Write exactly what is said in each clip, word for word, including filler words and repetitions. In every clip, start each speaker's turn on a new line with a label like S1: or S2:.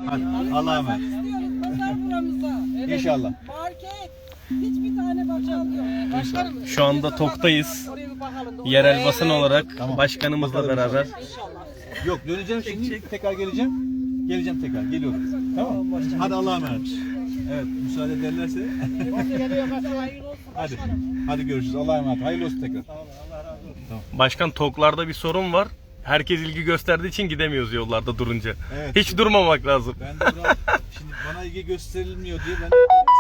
S1: Hadi Allah'a emanet.
S2: İstiyoruz pazar buramızda. Evet.
S1: İnşallah.
S2: Market. Hiçbir tane bakkal yok. Başkanım.
S3: Şu anda TOK'tayız.
S2: Oraya bir bakalım.
S3: Yerel basın olarak
S1: Tamam.
S3: başkanımızla beraber.
S2: İnşallah.
S1: Yok döneceğim şimdi tekrar geleceğim. Geleceğim tekrar geliyorum. Tamam. Hadi Allah'a emanet. Evet müsaade ederlerse. Hadi. Hadi görüşürüz. Allah'a emanet. Hayırlı olsun tekrar.
S3: Başkan TOK'larda bir sorun var. Herkes ilgi gösterdiği için gidemiyoruz yollarda durunca.
S1: Evet.
S3: Hiç durmamak lazım.
S1: Ben de biraz, şimdi bana ilgi gösterilmiyor diye ben de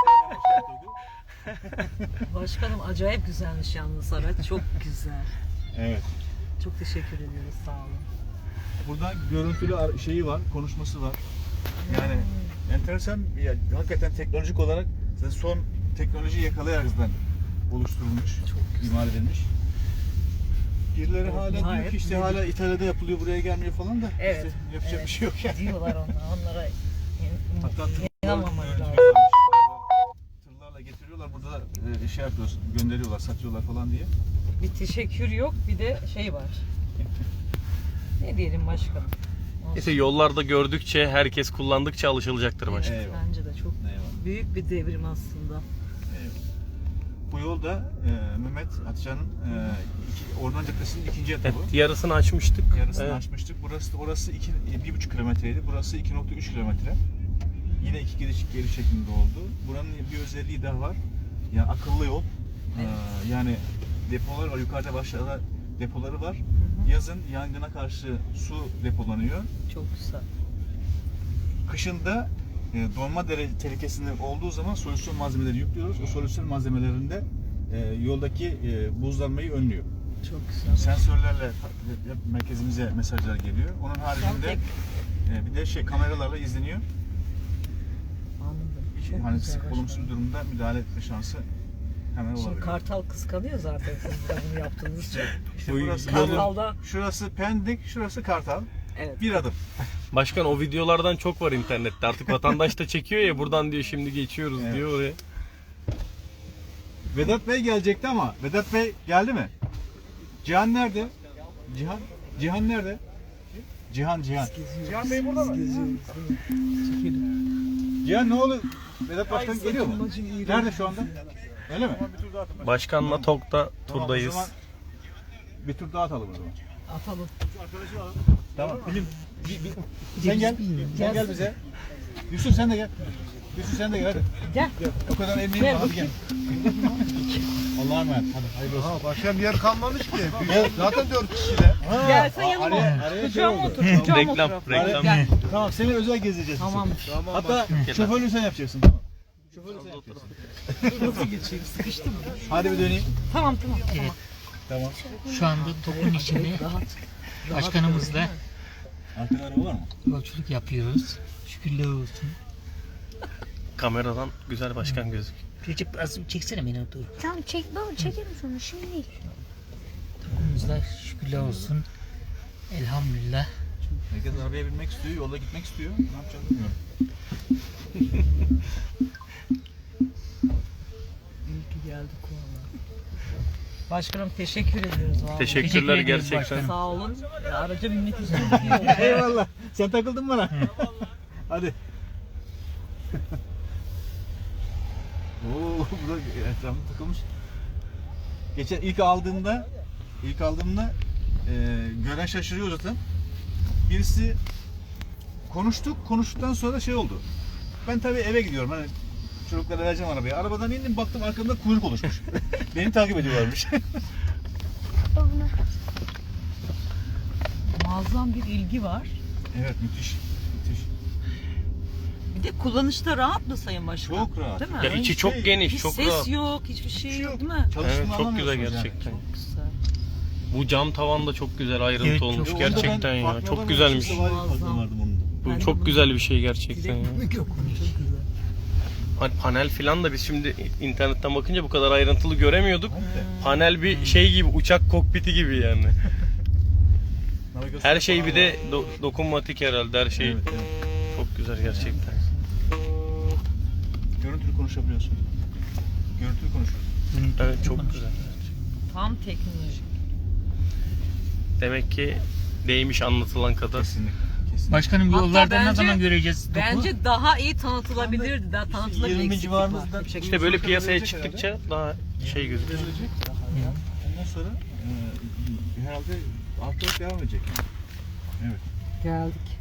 S4: Başkanım acayip güzelmiş yalnız araç. Çok güzel.
S1: Evet.
S4: Çok teşekkür ediyoruz. Sağ olun.
S1: Burada görüntülü ar- şeyi var, konuşması var. Yani enteresan, yani hakikaten teknolojik olarak son teknolojiyi yakalayaraktan oluşturulmuş, çok imal edilmiş. Birileri hala diyor
S4: Gayet
S1: ki işte
S4: büyük.
S1: hala İtalya'da yapılıyor, buraya gelmiyor falan da
S4: Evet,
S1: işte yapacak
S4: evet.
S1: bir şey yok yani.
S4: Diyorlar onlar. Onlara
S1: Hatta tırlar-
S4: inanmamak
S1: evet,
S4: lazım.
S1: tırlarla getiriyorlar, burada da e, şey yapıyoruz, gönderiyorlar, satıyorlar falan diye.
S4: Bir teşekkür yok, bir de şey var. Ne diyelim başkanım? Olsun.
S3: İşte yollarda gördükçe, herkes kullandıkça alışılacaktır başkan.
S1: Eyvallah.
S4: Bence de çok
S1: Eyvallah.
S4: büyük bir devrim aslında.
S1: Bu yolda e, Mehmet Hatice'nin e, iki, Orman Caddesi'nin ikinci etabı.
S3: Evet, yarısını açmıştık.
S1: Yarısını
S3: Evet.
S1: açmıştık. Burası orası iki bir buçuk kilometreydi. Burası iki nokta üç kilometre. Yine iki giriş geri şeklinde oldu. Buranın bir özelliği daha var. Yani akıllı yol.
S4: Evet.
S1: Ee, yani depolar var. Yukarıda aşağıda depoları var.
S4: hı.
S1: Yazın yangına karşı su depolanıyor.
S4: Çok güzel.
S1: Kışında e, donma dere- tehlikesinde olduğu zaman solüsyon malzemeleri yüklüyoruz. O solüsyon malzemelerinde e, yoldaki e, buzlanmayı önlüyor.
S4: Çok güzel.
S1: Sensörlerle merkezimize mesajlar geliyor. Onun haricinde
S4: tek-
S1: e, bir de şey kameralarla izleniyor.
S4: Anladım. Çok
S1: Hani
S4: güzel
S1: sık olumsuz bir
S4: başkanım.
S1: durumda müdahale etme şansı hemen
S4: Şimdi
S1: olabilir.
S4: Kartal kıskanıyor zaten siz de bunu yaptığınız için.
S1: İşte
S3: Bu
S1: burası
S3: yolun-
S4: Kartal'da
S1: şurası Pendik, şurası Kartal.
S4: evet.
S1: Bir adım.
S3: Başkan o videolardan çok var internette. Artık vatandaş da çekiyor ya, buradan diyor şimdi geçiyoruz
S1: Evet.
S3: diyor oraya.
S1: Vedat Bey gelecekti ama Vedat Bey geldi mi? Cihan nerede? Cihan? Cihan nerede? Cihan, Cihan. Cihan Bey burada mı? Cihan ne oldu? Vedat Başkan geliyor mu? Nerede şu anda? Öyle mi?
S3: Başkanla TOK'ta
S1: Tamam, o
S3: turdayız.
S1: zaman bir tur daha atalım o zaman.
S4: Atalım.
S1: Tamam. Bilim. bi- bi- Sen gel. Sen gel bize. Yusuf sen de gel. Yusuf sen de gel hadi.
S4: Gel.
S1: O kadar emeğim
S4: Gel
S1: var hadi gel. Allah'a emanet. Hadi hayırlı olsun.
S5: Ha, başka bir yer kalmamış ki.
S1: Gel.
S5: Zaten dört kişi de.
S1: Ha,
S4: Gel sen
S1: a-
S4: yanıma
S1: araya-
S4: otur.
S1: araya şey
S4: Kucağıma
S1: oldu.
S4: otur. Kucağıma
S3: Reklam,
S4: otur.
S3: reklam.
S4: Gel.
S1: Tamam seni özel gezeceğiz.
S4: Tamam.
S5: Tamam.
S1: Hatta
S3: Gel.
S1: şoförlüğü sen yapacaksın tamam. Şoförlüğü sen yapacaksın.
S4: Nasıl geçeyim? Sıkıştım.
S1: Hadi bir döneyim.
S4: Tamam tamam.
S6: Evet,
S1: Tamam.
S6: şu anda TOK'un içinde
S4: Rahat.
S6: başkanımızla
S1: Arkada araba var mı?
S6: yolculuk yapıyoruz. Şükürler olsun.
S3: Kameradan güzel başkan gözüküyor.
S6: Recep az bir çeksene beni dur.
S7: Tamam çek baba çekerim sonra şimdi değil.
S6: TOK'umuzla şükürler olsun. Elhamdülillah.
S1: Herkes arabaya binmek istiyor, yolda gitmek istiyor. Ne yapacağız bilmiyorum.
S4: İyi ki geldik valla. Başkanım teşekkür ediyoruz valla.
S3: Teşekkürler
S6: Teşekkür ediyoruz
S3: gerçekten.
S6: başkanım.
S4: Sağ olun. Ya, araca binmek istiyorum.
S1: Eyvallah. Sen takıldın bana. Hadi. Oo, burada etrafında takılmış. Geçen ilk aldığımda, ilk aldığımda e, gören şaşırıyor zaten. Birisi konuştuk, konuştuktan sonra şey oldu. Ben tabii eve gidiyorum. Hani çocuklara vereceğim arabayı. Arabadan indim, baktım arkamda kuyruk oluşmuş. Beni takip ediyorlarmış.
S7: Babana.
S4: Muazzam bir ilgi var.
S1: Evet, müthiş. Müthiş.
S4: Bir de kullanışta rahat mı Sayın Başkan?
S1: Çok rahat.
S4: Değil mi?
S3: Ya içi çok geniş,
S4: Hiç
S3: çok
S4: ses
S3: rahat.
S4: yok, hiçbir şey,
S1: Hiçbir şey
S4: yok
S1: yok.
S4: değil mi?
S1: Çalıştığını
S3: Evet, çok güzel
S1: anlamıyorsunuz yani.
S3: gerçekten.
S4: Güzel.
S3: Bu cam tavan da çok güzel ayrıntı
S6: Evet, çok
S3: olmuş
S1: Onda ben
S3: gerçekten ya.
S1: farkına
S3: Çok
S1: varmadım.
S3: güzelmiş.
S1: Kimse var ya, farkına
S4: Muazzam.
S1: vardım onun da.
S3: Bu
S4: Ben de
S3: çok
S4: bunu-
S3: güzel bir şey gerçekten ya.
S4: Direkt yok. Çok güzel.
S3: Hani panel filan da biz şimdi internetten bakınca bu kadar ayrıntılı göremiyorduk. Panel bir şey gibi, uçak kokpiti gibi yani.
S1: Navigasyon
S3: Her şey
S1: falan
S3: bir de
S1: var.
S3: do- dokunmatik herhalde, her şey
S1: Evet, evet.
S3: çok güzel gerçekten.
S1: Görüntülü konuşabiliyorsun. Görüntülü konuşuyorsun.
S3: Evet, çok güzel.
S4: Tam teknolojik.
S3: Demek ki değmiş anlatılan kadar.
S1: Kesinlikle. Kesin.
S6: Başkanım
S4: Hatta
S6: yollarda ne
S4: bence-
S6: zaman göreceğiz topu?
S4: Bence daha iyi tanıtılabilirdi. Daha tanıtılabilir
S1: yirmi
S4: eksiklik var.
S1: civarımızda
S4: Yapacak bir şey
S3: İşte
S4: yok.
S3: böyle piyasaya çıktıkça daha şey gözüküyor.
S1: verilecek. Ondan sonra e, herhalde artarak devam edecek. Evet.
S4: Geldik.